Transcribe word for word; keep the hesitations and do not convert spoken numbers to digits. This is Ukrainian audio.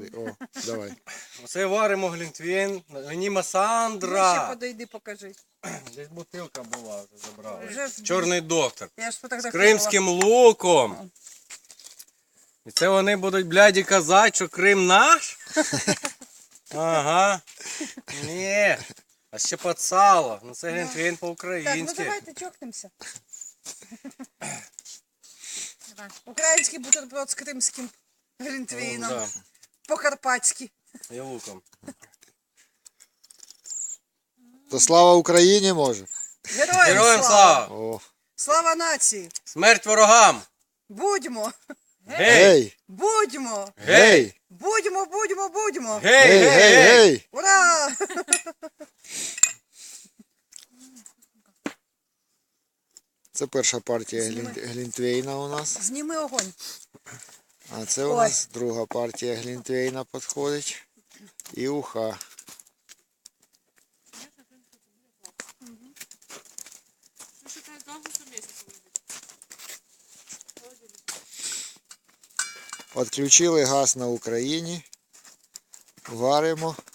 О, давай. Оце варимо глінтвейн. Німа Сандра. Ще подойди, покажи. Десь бутилка була, вже забрали. Вже... Чорний доктор. Я ж З фотографувала. кримським луком. І це вони будуть, бляді, казати, що Крим наш? Ага. Ні. А ще під сало. Ну це глінтвейн Так, ну по-українськи. давайте чокнемося. Український бутерброд з кримським глінтвейном. Да. По-карпатськи. І луком. То слава Україні може. Героям, Героям слава! слава! О. Слава нації! Смерть ворогам! Будьмо! Гей! Гей! Будьмо! Гей! Будьмо, будьмо, будьмо! Гей, Гей, гей, гей! Ура! Це перша партія глін- глінтвейна у нас. Зніми огонь. А це у Ой. нас друга партія глінтвейна підходить. І уха. Відключили газ на Україні. Варимо.